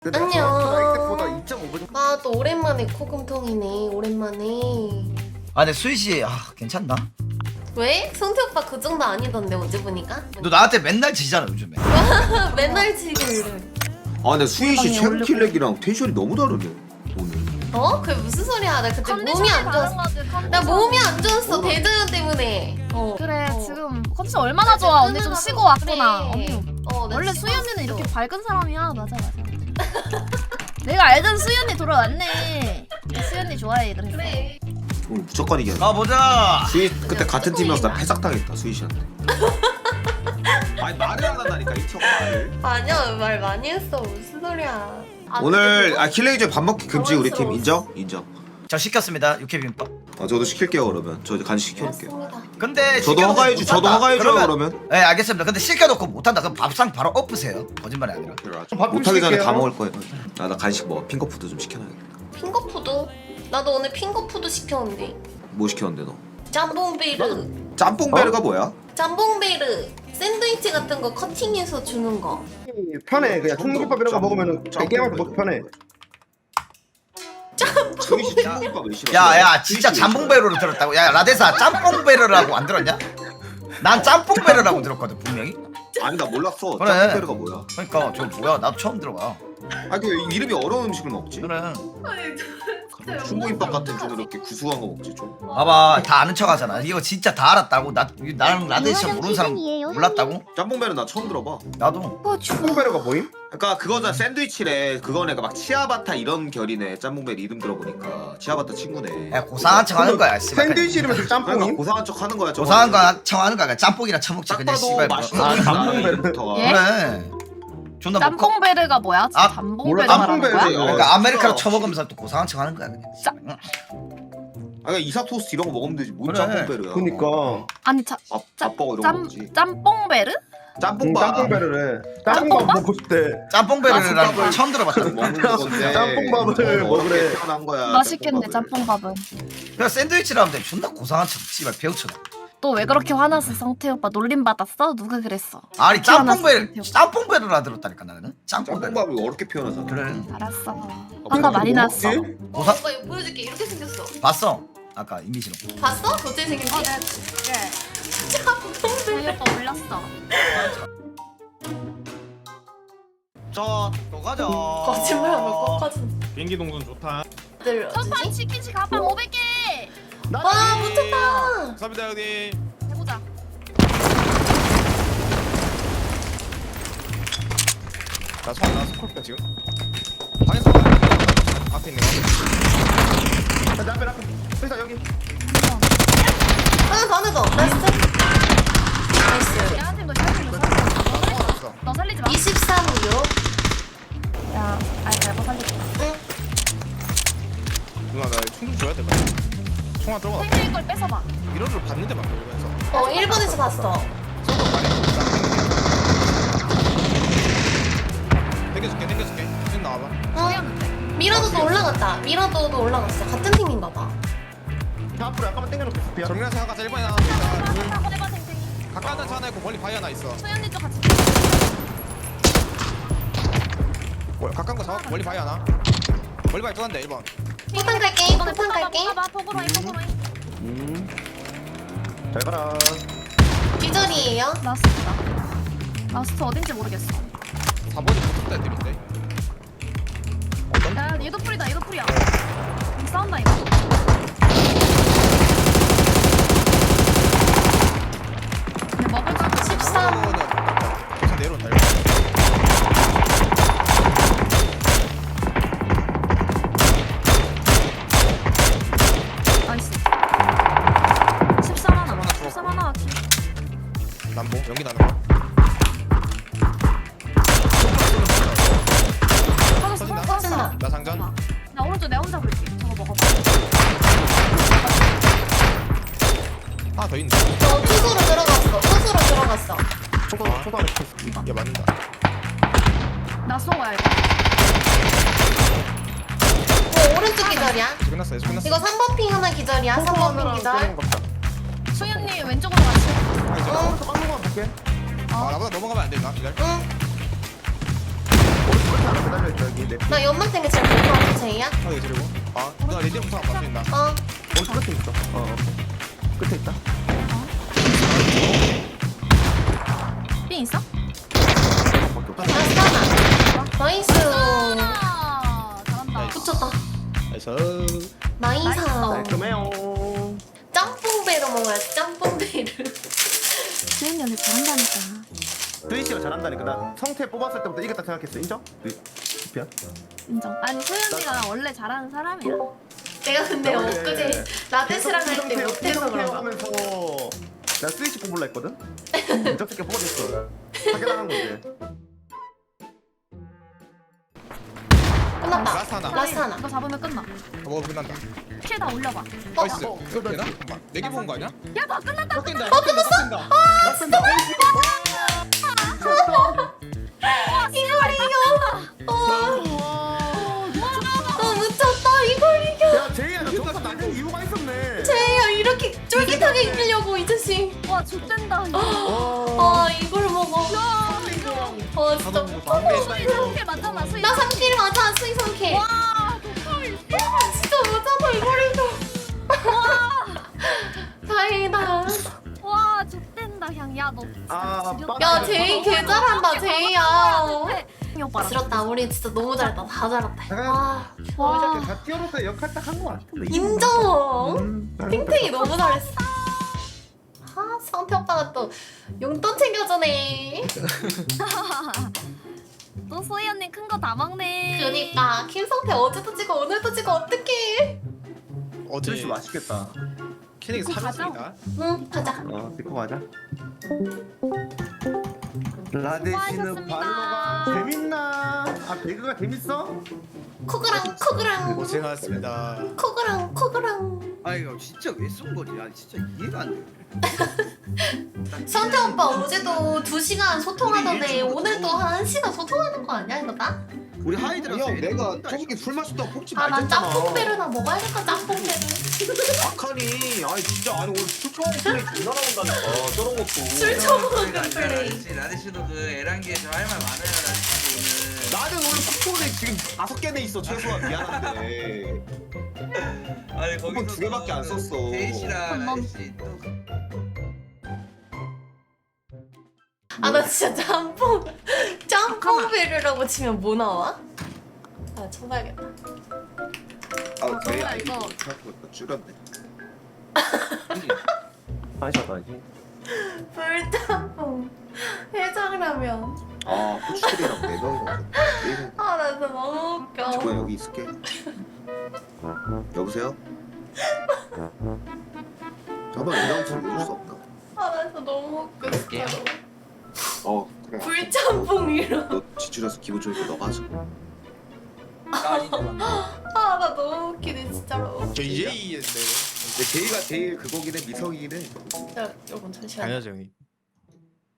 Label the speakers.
Speaker 1: 안녕.
Speaker 2: 보다 2.5배.
Speaker 1: 아, 또 오랜만에 코금통이네. 오랜만에.
Speaker 3: 아 근데 수희씨 괜찮나?
Speaker 1: 왜? 성태 오빠 그 정도 아니던데 어제 보니까?
Speaker 3: 너 나한테 맨날 지잖아 요즘에.
Speaker 1: 맨날 지길래.
Speaker 2: 아 근데 수희씨 최고 킬렉이랑 텐션이 너무 다르네 오늘.
Speaker 1: 어? 그게 무슨 소리야? 나 그때 몸이 안 좋았어. 나 몸이 안 좋았어. 대장염 때문에.
Speaker 4: 그래 지금 컨디션 얼마나 좋아. 언니 좀 쉬고 왔구나. 언니
Speaker 1: 나
Speaker 4: 원래
Speaker 1: 쉬고
Speaker 4: 수희 언니는
Speaker 1: 왔어.
Speaker 4: 이렇게 밝은 사람이야. 맞아. 내가 알던 수희 언니 돌아왔네. 수희 언니 좋아해. 그래서
Speaker 1: 그래.
Speaker 2: 오늘 무조건 이겨.
Speaker 3: 가보자.
Speaker 2: 수희 그때 같은 팀이어서 나 패삭당했다 수희 씨한테. 아니 말을 안 한다니까 이 친구가 말을.
Speaker 1: 아니야, 말 많이 했어. 무슨 소리야?
Speaker 2: 오늘 킬렉 이제 밥 먹기 금지 우리 팀 인정? 인정.
Speaker 3: 저 시켰습니다 육회비빔밥.
Speaker 2: 저도 시킬게요 그러면. 저 이제 간식 시켜놓을게요.
Speaker 1: 맞습니다.
Speaker 3: 근데
Speaker 2: 저도 허가해줘. 저도 허가해줘요 그러면.
Speaker 3: 네 알겠습니다. 근데 시켜놓고 못한다 그럼 밥상 바로 엎으세요. 거짓말이 아니라.
Speaker 2: 못하기 전에 다 먹을 거예요. 나 간식 먹어. 핑거푸드 좀 시켜놔야겠다.
Speaker 1: 핑거푸드? 나도 오늘 핑거푸드 시켰는데.
Speaker 2: 뭐 시켰는데 너?
Speaker 1: 짬뽕베르.
Speaker 2: 짬뽕베르가 뭐야?
Speaker 1: 짬뽕베르. 샌드위치 같은 거 커팅해서 주는 거.
Speaker 5: 편해. 그냥 총무김밥 이런 거 먹으면 게임할 때 먹기 편해.
Speaker 2: 수희 씨 짬뽕밥 왜 싫어?
Speaker 3: 야야 진짜 잠봉베르를 들었다고. 야 라데사 짬뽕베르라고 안 들었냐? 난 짬뽕베르라고 들었거든 분명히.
Speaker 2: 아니 나 몰랐어.
Speaker 3: 그래.
Speaker 2: 짬뽕베르가 뭐야?
Speaker 3: 그러니까 저 뭐야 나도 처음 들어봐.
Speaker 2: 아니 그 이름이 어려운 음식을 먹지?
Speaker 3: 그래.
Speaker 2: 중국김밥 같은 좀 이렇게 구수한 거 먹지 좀.
Speaker 3: 봐봐 다 아는 척하잖아. 이거 진짜 다 알았다고. 나랑 라데사 모르는 사람 몰랐다고?
Speaker 2: 짬뽕베르 나 처음 들어봐.
Speaker 3: 나도.
Speaker 5: 총무배려가 뭐임?
Speaker 2: 그러니까 그거잖아 샌드위치래. 그거네 막 치아바타 이런 결이네. 짬뽕베르 이름 들어보니까 치아바타 친구네.
Speaker 3: 야 고상한 척하는 거야. 씨발.
Speaker 5: 샌드위치 이름이 좀
Speaker 2: 그러니까
Speaker 5: 짬뽕임?
Speaker 2: 고상한 척 하는 거야. 저거.
Speaker 3: 고상한 거 척하는 거야. 그냥 짬뽕이나 처먹지
Speaker 2: 딱
Speaker 3: 그냥
Speaker 2: 봐도
Speaker 3: 씨발.
Speaker 2: 맛있어
Speaker 5: 아,
Speaker 2: 보인다.
Speaker 5: 짬뽕베르.
Speaker 2: 이름부터가.
Speaker 4: 예?
Speaker 3: 그래. 존나 뭐
Speaker 4: 짬뽕베르가 뭐야?
Speaker 3: 아,
Speaker 4: 잠봉베르
Speaker 5: 몰라,
Speaker 4: 말하는 거야?
Speaker 5: 짬뽕베르.
Speaker 3: 그러니까 아메리카노
Speaker 2: 진짜.
Speaker 3: 쳐먹으면서 또 고상한 척하는 거야 그냥.
Speaker 2: 아니 이삭 토스트 이런 거 먹으면 되지. 뭔
Speaker 3: 그래.
Speaker 2: 짬뽕베르야.
Speaker 5: 그니까
Speaker 4: 아니
Speaker 2: 밥버거 이런 거 먹지.
Speaker 4: 짬뽕베르?
Speaker 2: 짬뽕밥.
Speaker 5: 짬뽕배려래. 짬뽕밥 먹고 싶대.
Speaker 3: 짬뽕베르라는 걸 처음 들어봤다.
Speaker 2: 먹는 건데.
Speaker 5: 짬뽕밥을 먹으래.
Speaker 2: 태어난 거야.
Speaker 4: 맛있겠네
Speaker 2: 짬뽕밥을.
Speaker 4: 짬뽕밥은.
Speaker 3: 그냥 샌드위치라 하면 존나 고상한 척 씨발 배우처럼.
Speaker 4: 또 왜 그렇게 화났어 성태 오빠? 놀림 받았어? 누가 그랬어?
Speaker 3: 아니
Speaker 4: 태어났어,
Speaker 3: 짬뽕베르라 들었다니까 나는. 짬뽕베르.
Speaker 2: 짬뽕밥을 어렵게 표현하잖아.
Speaker 3: 그래.
Speaker 4: 알았어. 화가 많이 났어.
Speaker 3: 고상
Speaker 1: 오빠 이거 보여줄게. 이렇게 생겼어.
Speaker 3: 봤어. 아까 이미지로.
Speaker 1: 봤어? 어떻게 생겼지?
Speaker 4: 저희 오빠 올렸어.
Speaker 3: 저또 가자.
Speaker 1: 거짓말하면 꺾어진.
Speaker 6: 비행기 동선 좋다.
Speaker 1: 들
Speaker 4: 첫판
Speaker 1: 어디지?
Speaker 4: 치킨치 가방 500개.
Speaker 1: 와, 붙었다.
Speaker 6: 감사합니다 형님.
Speaker 4: 해보자.
Speaker 6: 나 스콜피야 지금. 방에서 봐. 앞에 있는 거.
Speaker 5: 자, 앞에. 회사 여기.
Speaker 1: 하나 더, 하나 더. 나이스. 나이스.
Speaker 4: 야한테 너 살리지 마. 너 살리지 마.
Speaker 1: 23요.
Speaker 4: 야, 아니 내가 살릴게.
Speaker 1: 응.
Speaker 6: 누나 나총좀 줘야 돼. 총알 들어가.
Speaker 4: 생일 걸 뺏어봐.
Speaker 6: 미러를 봤는데 막 그러면서.
Speaker 1: 1번에서 봤어.
Speaker 6: 쏘고 말해. 당겨줄게. 지금 나와봐.
Speaker 1: 응. 미라도도 올라갔다. 미라도도 올라갔어. 같은 팀인가 봐.
Speaker 5: 자, 앞으로 약간만 당겨놓고 스피야.
Speaker 6: 정면에서 하나 1번에 하나.
Speaker 4: 한번 해봐 탱탱이.
Speaker 6: 가까운 차 하나 있고 멀리 바위 하나 있어.
Speaker 4: 소연이 쪽 같이.
Speaker 6: 가까운 거 잡아. 멀리 바위 하나. 멀리 바위 또 한대 1번.
Speaker 1: 포탄 갈게. 포탄 갈게.
Speaker 4: 봐봐 포그로이.
Speaker 5: 잘 가라.
Speaker 1: 기절이에요.
Speaker 4: 라스트다. 라스트 어딘지 모르겠어.
Speaker 6: 4번이 붙었다 애들인데.
Speaker 4: 야 얘도 풀이다. 얘도 풀이야. 싸운다 이거. 근데 먹을 거
Speaker 1: 13.
Speaker 6: 계속 내려온다.
Speaker 4: 나이스. 13 하나. 13 하나.
Speaker 6: 남보 연기 나는 거.
Speaker 4: 터졌어.
Speaker 1: 터진다.
Speaker 6: 나 장전.
Speaker 4: 나 오른쪽 내 혼자 볼게. 저거 먹어봐.
Speaker 6: 하나 더 있네.
Speaker 1: 저 투수로 들어갔어. 투수로 들어갔어.
Speaker 5: 초반.
Speaker 6: 얘 맞는다.
Speaker 4: 나 쏜 거야 이거.
Speaker 1: 오른쪽 기절이야.
Speaker 6: 끝났어. 끝났어.
Speaker 1: 이거 3번 핑 하나 기절이야. 3번 핑 기절.
Speaker 4: 소연님 왼쪽으로 같이.
Speaker 1: 응.
Speaker 5: 빵 먹어 볼게.
Speaker 6: 아 나보다 넘어가면 안 되나? 기다려.
Speaker 1: 응.
Speaker 5: 하나 매달려 있어 여기 내
Speaker 1: 나 연막 땡겨 잘 볼것 같아 제이야.
Speaker 6: 하게 들고. 아 누나 레디언 부상 맞수 있나?
Speaker 1: 어.
Speaker 5: 오른쪽 끝에 있어. 끝에 있다.
Speaker 4: 삥 있어?
Speaker 1: 아싸나. 나이스.
Speaker 4: 아, 잘한다.
Speaker 1: 붙였다.
Speaker 6: 나이스.
Speaker 1: 나이스.
Speaker 5: 깔끔해요.
Speaker 1: 짬뽕배로 먹어야지 짬뽕배를.
Speaker 4: 수현이 언니 잘한다니까.
Speaker 5: 스위치가 잘한다니까. 나 성태 뽑았을 때부터 이겼다 생각했어. 인정? 피야.
Speaker 4: 인정. 아니 수현이가 원래 잘하는 사람이야.
Speaker 1: 내가 근데
Speaker 5: 원래
Speaker 1: 엊그제 라데스랑 할 때 못해서 그런가.
Speaker 5: 하면서 나 스위치 뽑을라 했거든. 인정스럽게 뽑아줬어. 사기당한 거지.
Speaker 1: 끝났다.
Speaker 6: 라스트 하나.
Speaker 1: 라스트 하나.
Speaker 4: 이거 잡으면 끝나.
Speaker 6: 뭐 끝난다.
Speaker 4: 킬 다 올려봐.
Speaker 6: 나이스. 이거 되나? 잠깐만. 4개 본 거 아니야?
Speaker 4: 야, 나 끝났다.
Speaker 6: 꺾인다. 꺾인다. 꺾인다.
Speaker 1: 이걸 이겨. 묻혔다. 이걸 이겨.
Speaker 5: 야 제이야 나 저기서 낮은 이유가 있었네.
Speaker 1: 제이야 이렇게 쫄깃하게 이기려고 이 자식.
Speaker 4: 와, 좋댄다.
Speaker 1: 아 이걸 먹어. 아 진짜.
Speaker 4: 수희 3킬 맞잖아, 수희.
Speaker 1: 나 3킬 맞아 수희 3킬.
Speaker 4: 와, 독하이.
Speaker 1: 진짜 맞아서 이걸 이겨. 다행이다.
Speaker 4: 와, 좋댄다, 향. 야, 너.
Speaker 5: 아,
Speaker 1: 야 제이 개 잘한다 제이야.
Speaker 4: 이 오빠랑.
Speaker 1: 지렸다. 우리 진짜 너무 잘했다. 다 잘했다. 와.
Speaker 4: 와.
Speaker 5: 다 뛰어로서 역할 딱 한 거 같은데.
Speaker 1: 인정. 탱탱이 너무 잘했어. 아 성태 오빠가 또 용돈 챙겨주네.
Speaker 4: 또 소희 언니 큰 거 다 먹네.
Speaker 1: 그니까 김성태 어제도 찍고 오늘도 찍고 어떡해.
Speaker 6: 어제
Speaker 5: 스위치 맛있겠다.
Speaker 6: 캐릭이
Speaker 4: 이거 가자.
Speaker 6: 사줬습니다.
Speaker 1: 응 가자.
Speaker 5: 찍고 가자. 라데시는
Speaker 4: 수고하셨습니다.
Speaker 5: 발로가 재밌나? 아 배그가 재밌어?
Speaker 1: 코그랑 코그랑
Speaker 6: 고생하셨습니다.
Speaker 1: 코그랑 코그랑.
Speaker 7: 아 이거 진짜 왜 쏜 거지? 아 진짜 이해가 안 돼.
Speaker 1: 성태 오빠 어제도 2시간 소통하던데 오늘도 한 1시간 소통하는 거 아니야 이거 다?
Speaker 7: 우리 하이드라서
Speaker 5: 형 내가 저렇게 술 마셨다고 폭지
Speaker 1: 아 난
Speaker 5: 말랬잖아.
Speaker 1: 짬뽕배르나 먹어야겠다 짬뽕배르.
Speaker 2: 악하니 아니 진짜 아니 오늘 술 처음 플레이 존나 나온다니까 저런 것도
Speaker 1: 술 처먹은 플레이.
Speaker 7: 라데시도 그 에란기에서 할 말 많아요 라데시
Speaker 2: 나는 오늘 쿠폰에 지금 5개는 있어 최소한 미안한데
Speaker 7: 오늘. 아니
Speaker 2: 쿠폰 2개밖에 안 썼어.
Speaker 7: 데이시랑 라데시 또
Speaker 1: 아 나 진짜 짬뽕배르라고 치면 뭐 나와? 아 쳐봐야겠다.
Speaker 2: 아 저희
Speaker 4: 정말
Speaker 2: 아이디
Speaker 4: 이거.
Speaker 2: 줄였네.
Speaker 5: 마셨다 이제.
Speaker 1: 불짬뽕 해장라면.
Speaker 2: 아 후추들이랑 4명이서
Speaker 1: 아 나 진짜 너무 웃겨.
Speaker 2: 지구야 여기 있을게. 여보세요? 잠깐만 이런 소리 해줄 수 없나?
Speaker 1: 아 나 진짜 너무 웃겨 진짜로.
Speaker 2: 그래.
Speaker 1: 불짬뽕이로.
Speaker 2: 너 지출해서 기분 좋으니까 너가 하자.
Speaker 1: 아 나 너무 웃기네 진짜로.
Speaker 6: 저 EJ인데.
Speaker 2: 근데 제이가 제일 그거긴 해 미성이긴 해.
Speaker 1: 자 여러분 잠시만요.
Speaker 6: 당연하죠 형님.